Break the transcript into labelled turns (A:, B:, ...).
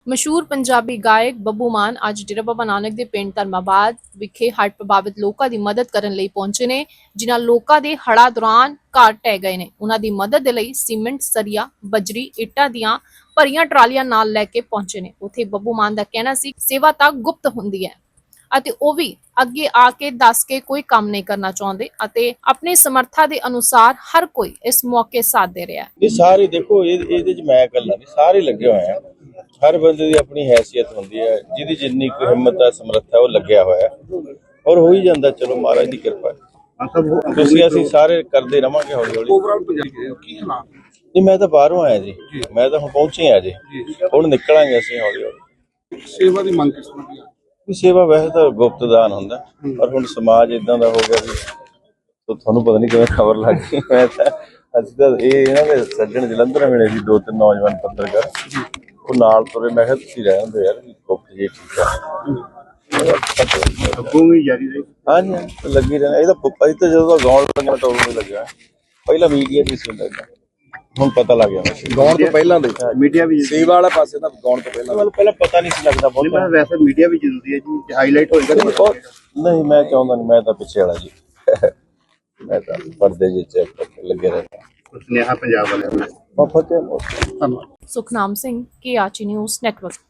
A: ਮਸ਼ਹੂਰ ਪੰਜਾਬੀ ਗਾਇਕ ਬੱਬੂ ਮਾਨ ਅੱਜ ਡੇਰਾ ਬਾਬਾ ਨਾਨਕ ਦੇ ਪਿੰਡ ਧਰਮਾਬਾਦ ਵਿਖੇ ਹੜ੍ਹ ਪ੍ਰਭਾਵਿਤ ਲੋਕਾਂ ਦੀ ਮਦਦ ਕਰਨ ਲਈ ਪਹੁੰਚੇ ਨੇ, ਜਿਨ੍ਹਾਂ ਲੋਕਾਂ ਦੇ ਹੜ੍ਹਾਂ ਦੌਰਾਨ ਘਰ ਢਹਿ ਗਏ ਨੇ। ਉਹਨਾਂ ਦੀ ਮਦਦ ਦੇ ਲਈ ਸੀਮੈਂਟ, ਸਰੀਆ, ਬਜਰੀ, ਇੱਟਾਂ ਦੀਆਂ ਭਰੀਆਂ ਟਰਾਲੀਆਂ ਨਾਲ ਲੈ ਕੇ ਪਹੁੰਚੇ ਨੇ। ਉੱਥੇ ਬੱਬੂ ਮਾਨ ਦਾ ਕਹਿਣਾ ਸੀ ਸੇਵਾ ਤਾਂ ਗੁਪਤ ਹੁੰਦੀ ਹੈ ਅਤੇ ਉਹ ਵੀ ਅੱਗੇ ਆ ਕੇ ਦੱਸ ਕੇ ਕੋਈ ਕੰਮ ਨਹੀਂ ਕਰਨਾ ਚਾਹੁੰਦੇ ਅਤੇ ਆਪਣੀ ਸਮਰੱਥਾ ਦੇ ਅਨੁਸਾਰ ਹਰ ਕੋਈ ਇਸ ਮੌਕੇ ਸਾਥ ਦੇ ਰਿਹਾ ਹੈ।
B: ਇਹ ਸਾਰੇ ਦੇਖੋ ਇਹਦੇ ਚ ਮੈਂ ਇਕੱਲਾ ਨਹੀਂ, ਸਾਰੇ ਲੱਗੇ ਹੋਏ ਆ। हर बंदे की अपनी हैसियत होंदी है, जिहदी जिन्नी कोई हिम्मत है समर्थ है वो लग्या होया और हो ही जाता। चलो महाराज की कृपा तुसीं असीं सारे करते रहांगे हौली हौली। जी मैं तो बाहरों आया जी, मैं तो हुण पहुंचे आ जी, हुण निकलांगे असीं हौली हौली।
C: सेवा की मंग किस तरह की?
B: सेवा वैसे तो गुप्त दान हुंदा, पर हुण समाज इदां दा हो गया भी तो तुहानूं पता नहीं किवें खबर लग गई। मैं तो असीं तां इन्हां दे सज्जण जलंधर मिले सी, 2-3 नौजवान पत्रकार ਉਹ ਨਾਲ ਤੁਰੇ। ਮੈਂ ਕਿਹਾ ਤੁਸੀਂ ਰਹਿ ਹੁੰਦੇ ਯਾਰ ਗੁਪਤ ਜੀ, ਠੀਕ ਆ
C: ਅੱਗੋਂ ਵੀ ਜਾਰੀ ਰਹੀ।
B: ਹਾਂਜੀ ਲੱਗੀ ਰਹਿਣਾ। ਇਹ ਤਾਂ ਅਸੀਂ ਤਾਂ ਜਦੋਂ ਗਾਉਣ ਲੱਗਿਆ ਟੋਲ ਨਹੀਂ ਲੱਗਿਆ, ਪਹਿਲਾਂ ਮੀਡੀਆ ਦੀ ਸੀ ਹੁੰਦਾ, ਹੁਣ ਪਤਾ ਲੱਗ ਗਿਆ
C: ਗਾਉਣ ਤੋਂ ਪਹਿਲਾਂ ਦੇ ਮੀਡੀਆ ਵੀ
B: ਸੇਵਾ ਵਾਲਾ ਪਾਸੇ ਤਾਂ ਗਾਉਣ ਤੋਂ ਪਹਿਲਾਂ ਪਤਾ ਨਹੀਂ ਸੀ ਲੱਗਦਾ ਬਹੁਤ।
C: ਵੈਸੇ ਮੀਡੀਆ ਵੀ ਜ਼ਰੂਰੀ ਹੈ ਜੀ, ਹਾਈਲਾਈਟ ਹੋਏਗਾ
B: ਨਹੀਂ ਮੈਂ ਚਾਹੁੰਦਾ ਨਹੀਂ, ਮੈਂ ਤਾਂ ਪਿੱਛੇ ਵਾਲਾ ਜੀ, ਮੈਂ ਤਾਂ ਪਰਦੇ ਜਿਹੇ ਚ ਲੱਗੇ ਰਹਿੰਦਾ।
C: ਸੁਨੇਹਾ ਪੰਜਾਬ ਵਾਲਿਆਂ ਨੂੰ।
A: Sukhnam Singh, KRG news network.